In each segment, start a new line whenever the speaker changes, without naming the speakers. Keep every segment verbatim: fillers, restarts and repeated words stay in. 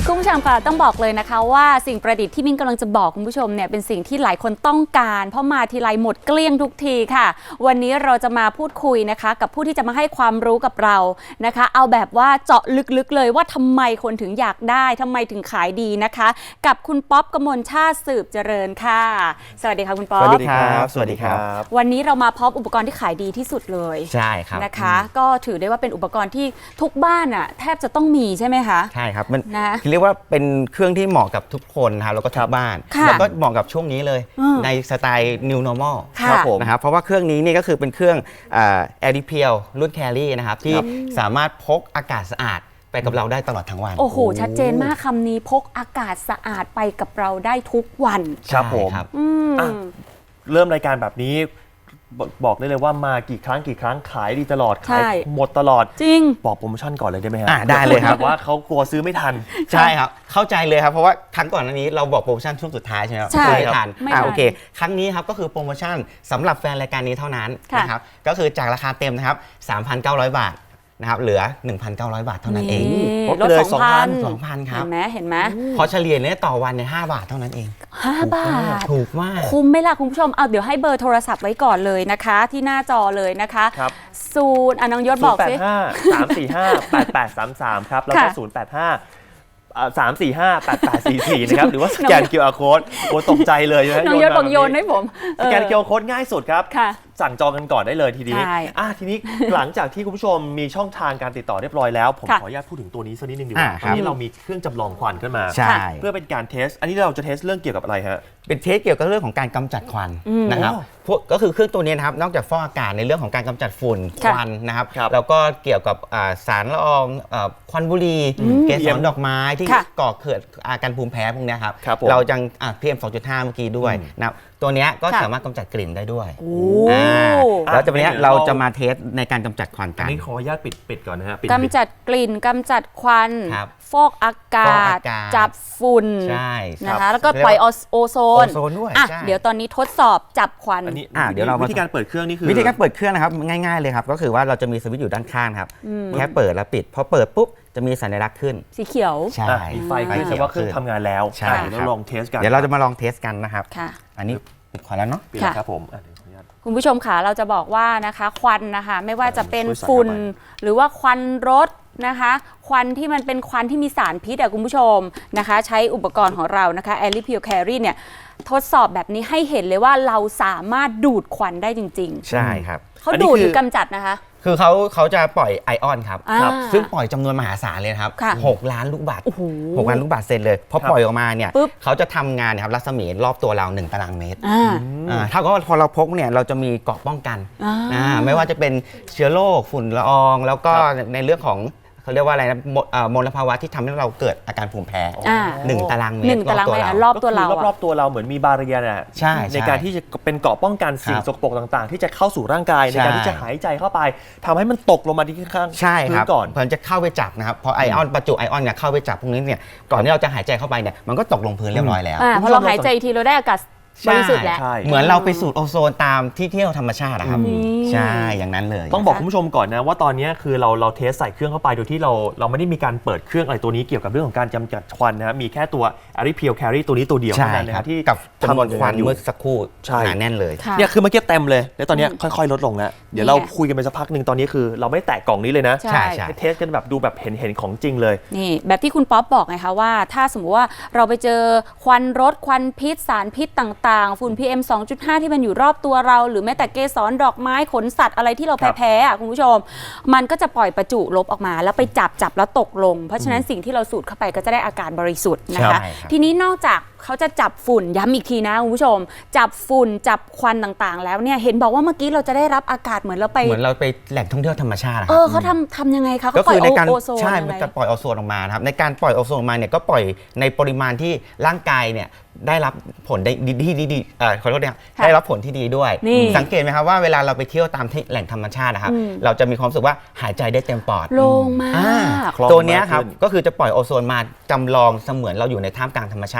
คุณผู้ชมค่ะต้องบอกเลยนะคะว่าสิ่งประดิษฐ์ที่มิ้นกำลังจะบอกคุณผู้ชมเนี่ยเป็นสิ่งที่หลายคนต้องการเพราะมาทีไรหมดเกลี้ยงทุกทีค่ะวันนี้เราจะมาพูดคุยนะคะกับผู้ที่จะมาให้ความรู้กับเรานะคะเอาแบบว่าเจาะลึกๆเลยว่าทำไมคนถึงอยากได้ทำไมถึงขายดีนะคะกับคุณป๊อปกมลชาติสืบเจริญค่ะสวัสดีค่ะคุณป๊อป
สวัสดีครับสวัสดีครับ
วันนี้เรามาพร้อมอุปกรณ์ที่ขายดีที่สุดเลย
ใช่ครับ
นะคะก็ถือได้ว่าเป็นอุปกรณ์ที่ทุกบ้านอ่ะแทบจะต้องมีใช่ไหมคะ
ใช่ครับมัน
นะ
เรียกว่าเป็นเครื่องที่เหมาะกับทุกคนนะครับแล้วก็ทุกบ้านแล้วก็เหมาะกับช่วงนี้เลยในสไตล์ New Normal
ครับผม
นะครับเพราะว่าเครื่องนี้นี่ก็คือเป็นเครื่อง แอร์ ดี พี แอล รุ่น Carry นะครับที่สามารถพกอากาศสะอาดไปกับเราได้ตลอดทั้งวัน
โอ้โหชัดเจนมากคำนี้พกอากาศสะอาดไปกับเราได้ทุกวัน
ครับผมเริ่มรายการแบบนี้บอกได้เลยว่ามากี่ครั้งกี่ครั้งขายดีตลอดขายหมดตลอด
จริง
บอกโปรโมชั่นก่อนเลยได้ไหมฮะ
ได้เลยครับ
ว่าเขากลัวซื้อไม่ทัน
ใช่ครับเข้าใจเลยครับเพราะว่าครั้งก่อนอันนี้เราบอกโปรโมชั่นช่วงสุดท้ายใช่ไหมครับ
ไม่
ทันอ่าโอเคครั้งนี้ครับก็คือโปรโมชั่นสำหรับแฟนรายการนี้เท่านั้นนะครับก็คือจากราคาเต็มนะครับ สามพันเก้าร้อย บาทนะครับเหลือ หนึ่งพันเก้าร้อย บาทเท่านั้นเอง
ลด สองพัน
สองพันครับ
เห็นไหมเห็นไหม
พอเฉลี่ยเนี่ยต่อวันเนี่ยห้าบาทเท่านั้นเอง
ห้าบาท
ถูกมาก
คุ้มไหมล่ะคุณผู้ชมเอาเดี๋ยวให้เบอร์โทรศัพท์ไว้ก่อนเลยนะคะที่หน้าจอเลยนะคะศูนย์อ่ะน้องยศบอกสิ
ศูนย์ แปด ห้า สาม สี่ ห้า แปด แปด สาม สามครับแล้วก็ศูนย์ แปด ห้าสาม สี่ ห้า แปด แปด สี่ สี่นะครับหรือว่าสแกน คิว อาร์ Code โอ้ตกใจเลยนะ
น้องยศบอกโยนให้ผม
สแกน คิว อาร์ Code ง่ายสุดครับสั่งจองกันก่อนได้เลยทีนี้อ่ะทีนี้หลังจากที่คุณผู้ชมมีช่องทางการติดต่อเรียบร้อยแล้วผมขออนุญาตพูดถึงตัวนี้สักนิดนึงดีกว่าตอนนี้เรามีเครื่องจำลองควันขึ้นมาเพื่อเป็นการเทสอันนี้เราจะเทสเรื่องเกี่ยวกับอะไรฮะ
เป็นเทสเกี่ยวกับเรื่องของการกำจัดควันนะครับพวกก็คือเครื่องตัวนี้นะครับนอกจากฟอกอากาศในเรื่องของการกำจัดฝุ่นควันนะครับแล้วก็เกี่ยวกับสารละอองควันบุหรี่เกสรดอกไม้ที่ก่อเกิดอาการภูมิแพ้พวกนี้ครับเราจัง พี เอ็ม สองจุดห้า เมื่อกี้ด้วยนะครับตัวนี้ก็สามารถกำจัดกลิ่นได้ด้วยแล้วจากนี้เราจะมาเทสในการกำจัดควันกัน
อันนี้ขออนุญาตปิดปิดก่อนนะฮะ
กำจัดกลิ่นกำจัดควันฟอกอากาศจับฝุ่นนะคะแล้วก็ปล่อยโอโซน
ด้วย
เดี๋ยวตอนนี้ทดสอบจับควัน
เดี๋ยวเราวิธีการเปิดเครื่องนี่คือ
วิธีการเปิดเครื่องนะครับง่ายๆเลยครับก็คือว่าเราจะมีสวิตช์อยู่ด้านข้างครับแค่เปิดแล้วปิดพอเปิดปุ๊บจะมีสัญลักษณ์ขึ้น
สีเขียว
ใช่
มีไฟขึ้นแสดงว่าเครื่องทำงานแล้ว
ใช่
เดี๋ยวเราลองเทสกัน
เดี๋ยวเราจะมาลองเทสกันนะครับอันนี้ปิดควันแล้วเนาะ
ปิดแล้วครับผม
คุณผู้ชมค่ะเราจะบอกว่านะคะควันนะคะไม่ว่าจะเป็นฝุ่นหรือว่าควันรถนะคะควันที่มันเป็นควันที่มีสารพิษอะคุณผู้ชมนะคะใช้อุปกรณ์ของเรานะคะ แอร์ ดี พี แอล Carry เนี่ยทดสอบแบบนี้ให้เห็นเลยว่าเราสามารถดูดควันได้จริง
ๆใช่ครับ
เขาดูดหรือกำจัดนะคะ
คือเขาเขาจะปล่อยไอออนครับซึ่งปล่อยจำนวนมหาศาลเลยครับหกล้านลูกบาศก์หกล้านลูกบาศก์เซนเลยพอปล่อยออกมาเนี่ยเขาจะทำงานนะครับรัศมีรอบตัวเราหนึ่งตารางเมตรเท่ากับว่าพอเราพกเนี่ยเราจะมีเกราะป้องกันไม่ว่าจะเป็นเชื้อโรคฝุ่นละอองแล้วก็ในเรื่องของเขาเรียกว่าอะไรนะมลภาวะที่ทำให้เราเกิดอาการภูมิแพ้หนึ่งตารางเมตร
รอบตัวเรา
รอบตัวเราเหมือนมีบาเรียร์น่ะในการที่จะเป็นเกราะป้องกันสิ่งสกปรกต่างๆที่จะเข้าสู่ร่างกายในการที่จะหายใจเข้าไปทำให้มันตกลงมาที่ข้าง
ใช่ครับก่อนเพื่อจะเข้าไปจับนะครับพอไอออนประจุไอออนเนี่ยเข้าไปจับพวกนี้เนี่ยก่อนที่เราจะหายใจเข้าไปเนี่ยมันก็ตกลงพื้นเรียบร้อยแล้ว
พอเราหายใจทีเราได้อากาศบริสุทธิ์แล้ว
เหมือนเราไปสูดโอโซนตามที่เที่ยวธรรมชาตินะครับใช่อย่างนั้นเลย
ต้องบอกคุณผู้ชมก่อนนะว่าตอนนี้คือเราเราเทสใส่เครื่องเข้าไปโดยที่เราเราไม่ได้มีการเปิดเครื่องอะไรตัวนี้เกี่ยวกับเรื่องของการกำจัดควันนะมีแค่ตัว แอร์ ดี พี แอล Carry ตัวนี้ตัวเดียวเท่านั้นนะครับที่
กับจำนวนควันเมื่อสักครู่หนาแน่นเลย
เนี่ยคือเมื่อกี้เต็มเลยแล้วตอนนี้ค่อยๆลดลงแล้วเดี๋ยวเราคุยกันไปสักพักหนึ่งตอนนี้คือเราไม่แตะกล่องนี้เลยนะ
ใช่
เทสกันแบบดูแบบเห็นเห็นของจริงเลย
นี่แบบที่คุณป๊อปบอกไงคะว่าถ้าสมมติว่าเราไปเจอควันรถควันพิษสารพิษต่างๆฝุ่น พี เอ็ม สองจุดห้า ที่มันอยู่รอบตัวเราหรือแม้แต่เกสรดอกไม้ขนสัตว์อะไรที่เราแพ้ๆอ่ะคุณผู้ชมมันก็จะปล่อยประจุลบออกมาแล้วไปจับจับแล้วตกลงเพราะฉะนั้นสิ่งที่เราสูดเข้าไปก็จะได้อากาศบริสุทธิ์นะคะทีนี้นอกจากเขาจะจับฝุ่นย้ำอีกทีนะคุณผู้ชมจับฝุ่นจับควันต่างๆแล้วเนี่ยเห็นบอกว่าเมื่อกี้เราจะได้รับอากาศเหมือนเราไป
เหมือนเราไปแหล่งท่องเที่ยวธรรมชาติ
เออเขาทำทำยังไงคะ
ก็คือในการใช่มันจะปล่อยโอโซนออกมาครับในการปล่อยโอโซนออกมาเนี่ยก็ปล่อยในปริมาณที่ร่างกายเนี่ยได้รับผลดีที่ดีเอ่อขอโทษนะได้รับผลที่ดีด้วยสังเกตไหมครับว่าเวลาเราไปเที่ยวตามที่แหล่งธรรมชาตินะครับเราจะมีความรู้สึกว่าหายใจได้เต็มปอด
โล่งมาก
ตัวนี้ครับก็คือจะปล่อยโอโซนมาจำลองเสมือนเราอยู่ในท่ามกลางธรรมชาติอย่างนั้นเลย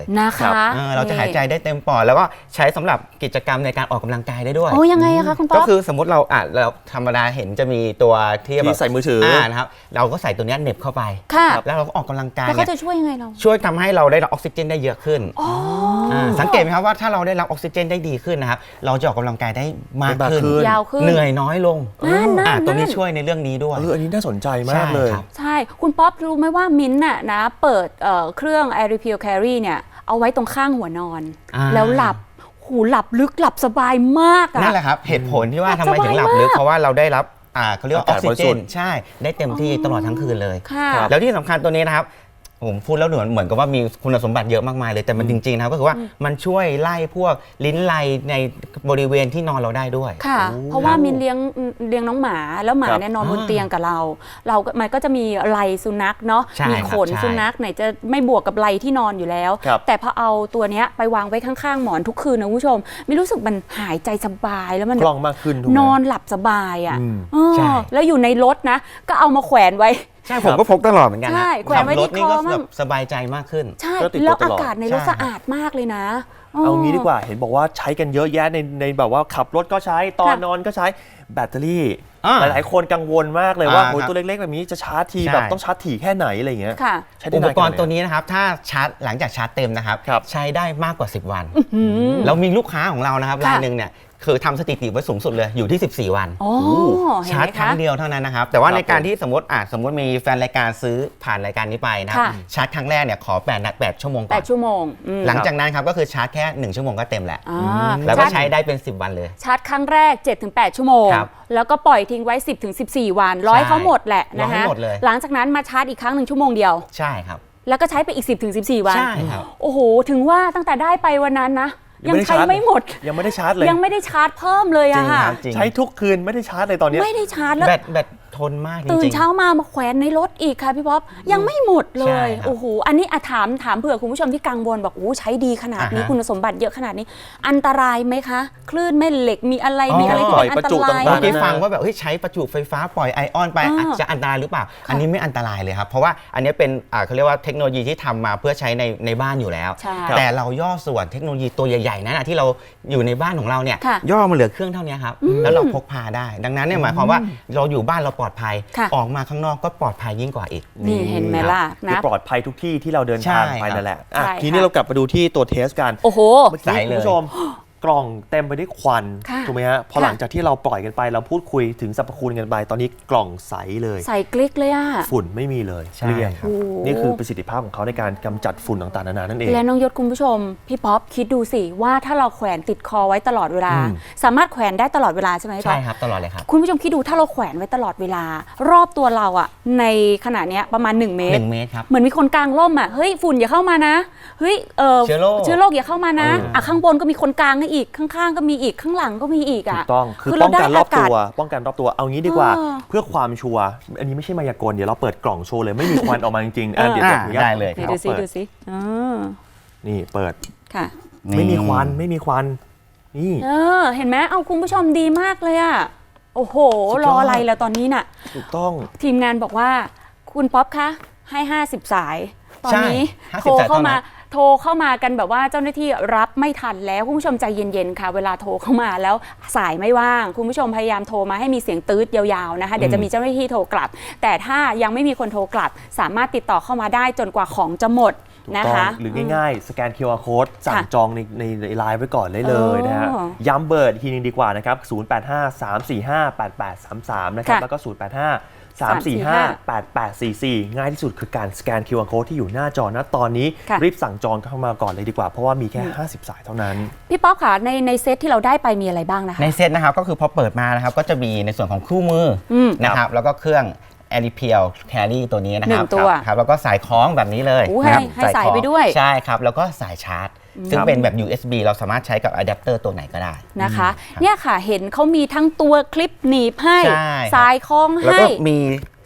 นะคะ
เออเราจะหายใจได้เต็มปอดแล้วก็ใช้สำหรับกิจกรรมในการออกกำลังกายได้ด้วย
โอ้ยังไงอะคะคุณป๊อป
ก็คือสมมติเราอ่ะเราธรรมดาเห็นจะมีตัวที่แบบ
ที่ใส่มือถือ
อ่านะครับเราก็ใส่ตัวเนี้ยเหน็บเข้าไป
ค่ะ
แล้วเราก็ออกกำลังกาย
แล้ว
เนี่
เขา
ย
จะช่วยยังไงเรา
ช่วยทำให้เราได้รับออกซิเจนได้เยอะขึ้น
อ๋อ
อ่าสังเกตไหมครับว่าถ้าเราได้รับออกซิเจนได้ดีขึ้นนะครับเราจะออกกำลังกายได้มากขึ้น
ยาวขึ้น
เหนื่อยน้อยลง
นั่นนั่น
อ่าตัวนี้
นั่น
ช่วยในเรื่องนี้ด้วย
เอออันนี้น่าสนใจมากเลย
ใช่ครับ
ใช่คุณป๊อปรู้ไหมว่ามิ้นท์น่ะนะเปิดเอ่อเครื่อง Air Repeal Carry เนี่ยเอาไว้ตรงข้างหัวนอน
อ่า
แล้วหลับหูหลับลึกหลับสบายมากอะ
นั่นแหละครับเหตุผลที่ว่า
หลั
ทำ
บ
ไมถึงหลับลึก
สบายมาก
เพราะว่าเราได้รับอ่าเขาเรียกว่าอ
อา
อก
กาศ
ซิ
บริ
เจ
สุ
น
ทธิ์
ใช่ได้เต็มที่ตลอดทั้งคืนเลย
ค่ะ
แล้วที่สำคัญตัวนี้นะครับผมพูดแล้วเหมือนเหมือนกับว่ามีคุณสมบัติเยอะมากมายเลยแต่มันจริงๆนะครับก็คือว่ามันช่วยไล่พวกลิ้นไลในบริเวณที่นอนเราได้ด้วย
ค่ะ
โอ้
เพราะว่ามินเลี้ยงเลี้ยงน้องหมาแล้วหมา
ครับ
เนี่ยนอนบน
อ่า
เตียงกับเรา เราก็มันก็จะมีไหลสุนัขเนาะ
ใช่
มี
ครับ
ขน
ใช่
สุนัขไหนจะไม่บวกกับไหลที่นอนอยู่แล้ว
ครับ
แต่พอเอาตัวเนี้ยไปวางไว้ข้างๆหมอนทุกคืนนะคุณผู้ชมไม่รู้สึกมันหายใจสบายแล้วมัน
คล่องมากขึ้นถูกไหม
นอนหลับสบายอ่ะ
อืม
เออ
ใช่
แล้วอยู่ในรถนะ ก็เอามาแขวนไว้
ใช่ผมก็พกตลอดเหมือนกันนะ
ใช่แขวนไว้
ขับรถ
ที่
นี่ก็
คอมั่ง
แบบสบายใจมากขึ้น
ใช่
ก็ติดตัว
แล้ว
ต
อา
ลอด
กาศในรถ
ใช่
สะอาดมากเลยนะ
เอางี้ดีกว่าเห็นบอกว่าใช้กันเยอะแยะในในแบบว่าขับรถก็ใช้ตอนนอนก็ใช้แบตเตอรี่
อ่า
หลายๆคนกังวลมากเลยว่า
อ่า
โอ้ย
ครับ
ตัวเล็กๆแบบนี้จะชาร์จที
ใช่
แบบต้องชาร์จถี่แค่ไหนอะไรอย่างเงี้ย
ค่ะ
ใช้ได้
อุป
นาน
กรณ์
แค่ไห
ตัวนี้นะครับถ้าชาร์จหลังจากชาร์จเต็มนะครับ
ครับ
ใช้ได้มากกว่าสิบวัน
อืม
แล้วมีลูกค้าของเรานะครับ
ค่ะ
รายหนึ่งเนี่ยคือทำสถิติไว้สูงสุดเลยอยู่ที่ สิบสี่ วัน
อ๋อเห็น
ชาร์
ไห
จ
ม
ครั้
คะ
งเดียวเท่านั้นนะครับ แต่ว่า
ครับ
ในการ
ผม
ที่สมมติอ่ะสมมติมีแฟนรายการซื้อผ่านรายการนี้ไปนะครับ
ค่ะ
ชาร์จครั้งแรกเนี่ยขอแปดนัดแปดชั่วโมง
แป
ก่อ
ด
น
ชั่วโมงอืม
หลังจากนั้นครับก็คือชาร์จแค่หนึ่งชั่วโมงก็เต็มแหละ
อ่า
แล้วก็
ชาร์จ
ใช้ได้เป็นสิบวันเลย
ชาร์จครั้งแรก เจ็ดถึงแปด ชั่วโมง
ครับ
แล้วก็ปล่อยทิ้งไว้ สิบถึงสิบสี่ วันร้อย
ใช่
เขาหมดแหละ
ร้อ
นะ
ยให้
คะ
หมดเลย
หลังจากนั้นมาชาร์จอีกครั้งหนึ่งชั่วโมงเดียว
ใช่ครับ
แล้วก็ใช้ไปอีก สิบถึงสิบสี่ วัน
ใช่ครับ
โอ้โห ถึงว่าตั้งแต่ได้ไปวันนั้นนะ
ยัง
ยัง
ไม่ได้
ใช้
ชาร์จ
ไม่หมด
ยังไม่ได้ชาร์จเลย
ยังไม่ได้ชาร์จเพิ่มเลย
จริ
อะ
ง
ค่ะ
ครับจริง
ใช้ทุกคืนไม่ได้ชาร์จเลยตอนเนี้ย
ไม่ได้ชาร์จแล้ว
แบตแบตทนมากจริงๆ
ตื่นเช้ามามาแขวนในรถอีกค่ะพี่ป๊อปยังไม่หมดเล
ใช่
ย
ครับ
โอ้โหอันนี้อะถามถามเผื่อคุณผู้ชมที่กังวลบอกโอ้ใช้ดีขนาดนี้
อ่าฮะ
คุณสมบัติเยอะขนาดนี้ อันตรายไหมคะ คลื่นแม่เหล็กมีอะไร
อ๋อ
มีอะไรที่เป็นอันต
ปล่อยประจุ
ราย
ต่างๆ
เมื่อกี้
นะ
ฟังว่าแบบเฮ้ยใช้ประจุไฟฟ้าปล่อยไอออนไป
อ่า
อาจจะอันตรายหรือเปล่า อันนี้ไม่อันตรายเลยครับ เพราะว่าอันนี้เป็นอ่าเขาเรียกว่าเทคโนโลยีที่ทำมาเพื่อใช้ในในบ้านอยู่แล้ว
ใช่
แต่เราย่อส่วนเทคโนโลยีตัวใหญ่ๆนั้นนะที่เราอยู่ในบ้านของเราเนี่ย
ค่ะ
ย่อมาเหลือเครื่องเท่านี้ครับแล้วเราพกพาได้ ดังนั้นเนี่ยหมายความว่าเราอยู่บ้านเราปลอดภัย
ค่ะ
ออกมาข้างนอกก็ปลอดภัยยิ่งกว่าอีก
นี่เห็นไหมล่ะ
คือ
นะ
ปลอดภัยทุกที่ที่เราเดินทาง
ใช่
ไป
ครับ
นั่นแหละอ่ะ
ใช่
ทีนี้
ค่ะ
เรากลับมาดูที่ตัวเทสกัน
โอ้โห
เมื่อ
ใส
กี้
เล
คุณ
ย
ผู้ชมกล่องเต็มไปด้วยควัน
ค่ะ
ถูกไหมฮะพอ
ค่ะ
หลังจากที่เราปล่อยกันไปเราพูดคุยถึงสรรพคุณกันไปตอนนี้กล่องใสเลย
ใส่กลิกเลยอะ
ฝุ่นไม่มีเลย
ใช่
เกลี้ยง
ครับ
โอ้
นี่คือประสิทธิภาพของเขาในการกำจัดฝุ่นต่างๆนานานั่นเอง
และน้องยศคุณผู้ชม พี่ป๊อปคิดดูสิว่าถ้าเราแขวนติดคอไว้ตลอดเวลา
อืม
สามารถแขวนได้ตลอดเวลาใช่ไหมพี่ป๊
ใช่
อป
ครับตลอดเลยครับ
คุณผู้ชมคิดดูถ้าเราแขวนไว้ตลอดเวลารอบตัวเราอะในขณะเนี้ยประมาณ หนึ่ง เม
ห
ต
นึ่
ร
งเมตรครับ
เหมือนมีคนกลางร่มอะเฮ้ยฝุ่นอย่าเข้ามานะเฮ้ยเออ
เชื้อโรค
เชื้อโรคอย่าเข้ามานะ
เอออ่
อ่ะข้างบนก็มีคนกลางให้อีกข้างๆก็มีอีกข้างหลังก็มีอีก
ถู
อะ
กต้องคือ
คือ
ป้
เรา
องกัน
ได้
รอบตัว
อากาศ
ป้องกันรอบตัวเอางี้ดีกว่า
เออ
เพื่อความชัวร์อันนี้ไม่ใช่มายากลเดี๋ยวเราเปิดกล่องโชว์เลยไม่มีควันออกมาจริงๆอ่ะเดี๋ยว
อ่า
ขออนุญาต
ได้เลย
ไหน
ขอ
ดูซิ
เปิ
ดูซิอ๋อ
นี่เปิด
ค่ะ
ไม่มีควันไม่มีควันนี่
เออเห็นไหมเอาคุณผู้ชมดีมากเลยอะโอ้โห
สุดย
ร
อด
ออะไรแล้วตอนนี้น่ะ
ถูกต้อง
ทีมงานบอกว่าคุณป๊อปคะให้ ห้าสิบ สาย ตอนนี้
ใช่
โทร
ห้าสิบ
เข้ามา
สายเท่านั้น
โทรเข้ามากันแบบว่าเจ้าหน้าที่รับไม่ทันแล้วคุณผู้ชมใจเย็นๆค่ะ เวลาโทรเข้ามาแล้วสายไม่ว่าง คุณผู้ชมพยายามโทรมาให้มีเสียงตืดยาวๆนะคะเดี๋ยวจะมีเจ้าหน้าที่โทรกลับ แต่ถ้ายังไม่มีคนโทรกลับ สามารถติดต่อเข้ามาได้จนกว่าของจะหมด
ถูก
นะ
ต้อง
คะ
หรือง่ายๆ สแกน คิว อาร์ Code สั่ง
ค่ะ
จองในในในไลน์ไว้ก่อนได้เลยนะฮะ
อ๋อ
ย้ำเบอร์อีกทีนึงดีกว่านะครับ ศูนย์ แปด ห้า สาม สี่ ห้า แปด แปด สาม สาม นะครับ
ค่ะ
แล้วก็ ศูนย์ แปด ห้า สาม สี่ ห้า แปด แปด สี่ สี่ ง่ายที่สุดคือการสแกน คิว อาร์ Code ที่อยู่หน้าจอณตอนนี้
ค่ะ
รีบสั่งจองเข้ามาก่อนเลยดีกว่า เพราะว่ามีแค่ ห้าสิบ สายเท่านั้น
พี่ป๊อปค่ะในในเซตที่เราได้ไปมีอะไรบ้างนะคะ
ในเซตนะครับก็คือพอเปิดมานะครับก็จะมีในส่วนของคู่มืออ
ม
นะครับแล้วก็เครื่อง a r i p e l Carry ตัวนี้นะครั
หนึ่งตัว
ครับแล้วก็สายคล้องแบบนี้เลย
โอ้
นะครับ
ให้ให้สาย
คล้อง
ไปด้วย
ใช่ครับแล้วก็สายชาร์จ ซึ่ง
ครับ
เป็นแบบ ยู เอส บี เราสามารถใช้กับอะแดปเตอร์ตัวไหนก็ได้
นะคะ
ครับ
เนี่ยค่ะเห็นเขามีทั้งตัวคลิปหนีบให้
ใช่ครับ
สายคล้อง
แล้ว
ให้
ก็มี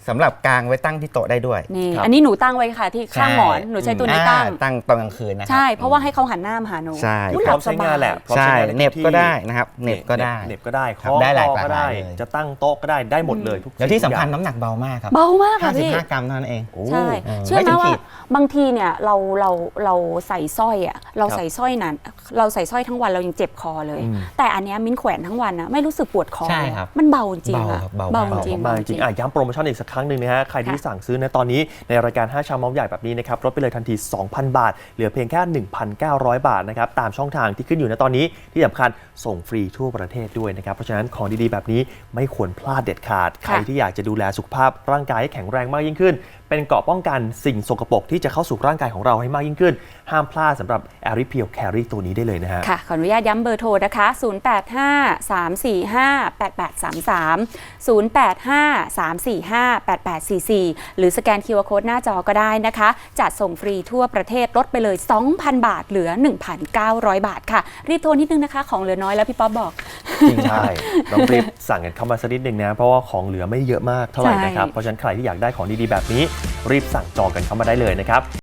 สำหรับกางไว้ตั้งที่โต๊ะได้ด้วย
นี่อันนี้หนูตั้งไว้ค่ะที่ข้างหมอนหนูใช้ตัวนี้ตั้ง
ตั้งตอนกลางคืนนะครับ
ใช่เพราะว่าให้เขาหันหน้ามาหาหนู
ใช่
พร้อมใช้งานแหละพร้อม
ใช่
ใช้งาน
เน็บก็ได้นะครับเน็บก็ได้
เน็บก็ได้
ครับ
ข้อ
ได้หลาย
ก็ได้
หลายเลย
จะตั้งโต๊ะก็ได้ได้หมดเลยทุก
แล้วที่สำคัญ
สิ่ง
น้ำหนักเบามากครับ
เบามากค่ะพี่
ห้าสิบห้ากรัมเท่านั้นเอง
โอ้
ใช่
เออ
เชื่อ
ไม่
ไหม
ถึงขี
ว่า
ด
บางทีเนี่ยเราเราเราใส่สร้อยอ่ะเราใส่สร้อยนั้นเราใส่สร้อยทั้งวันเรายังเจ็บคอเลย แต่อันเนี้ยมิ้นแขวนทั้งวันนะไม่รู้สึกปวดคอ
ใช่ครับ
มันเบาจริงอะ
เบาครับ
เบา
เบา
จริง
มากจริงอ่ะย้ำโปรโมชั่นอีกสักครั้งหนึ่งนะฮะใครที่สั่งซื้อในตอนนี้ในรายการห้าชามเมาส์ใหญ่แบบนี้นะครับลดไปเลยทันที สองพัน บาทเหลือเพียงแค่ หนึ่งพันเก้าร้อย บาทนะครับตามช่องทางที่ขึ้นอยู่ในตอนนี้ที่สำคัญส่งฟรีทั่วประเทศด้วยนะครับเพราะฉะนั้นของดีๆแบบนี้ไม่ควรพลาดเด็ดขาดใครที่อยากจะดูแลสุขภาพร่างกายให้แข็งแรงมากยิ่งขึ้นเป็นเกราะป้องกันสิ่งสกปรกที่จะเข้าสู่ร่างกายของเราให้มากยิ่งขึ้นห้ามพลาดสำหรับ แอริ Peel Carry ตัวนี้ได้เลยนะฮะ
ค่ะขออนุญาตย้ำเบอร์โทรนะคะ ศูนย์ แปด ห้า สาม สี่ ห้า แปด แปด สาม สาม ศูนย์ แปด ห้า สาม สี่ ห้า แปด แปด สี่ สี่ หรือสแกน คิว อาร์ Code หน้าจอก็ได้นะคะจัดส่งฟรีทั่วประเทศลดไปเลย สองพัน บาทเหลือ หนึ่งพันเก้าร้อย บาทค่ะรีบโทรนิดนึงนะคะของเหลือน้อยแล้วพี่ป๊อบบอก
จริงใช่ต้องรีบสั่งกันเข้ามาสักนิดนึงนะเพราะว่าของเหลือไม่เยอะมากเท่าไหร่นะครับเพราะฉะนั้นใครที่อยากได้ของดีๆแบบนี้รีบสั่งจองกันเข้ามาได้เลยนะครับ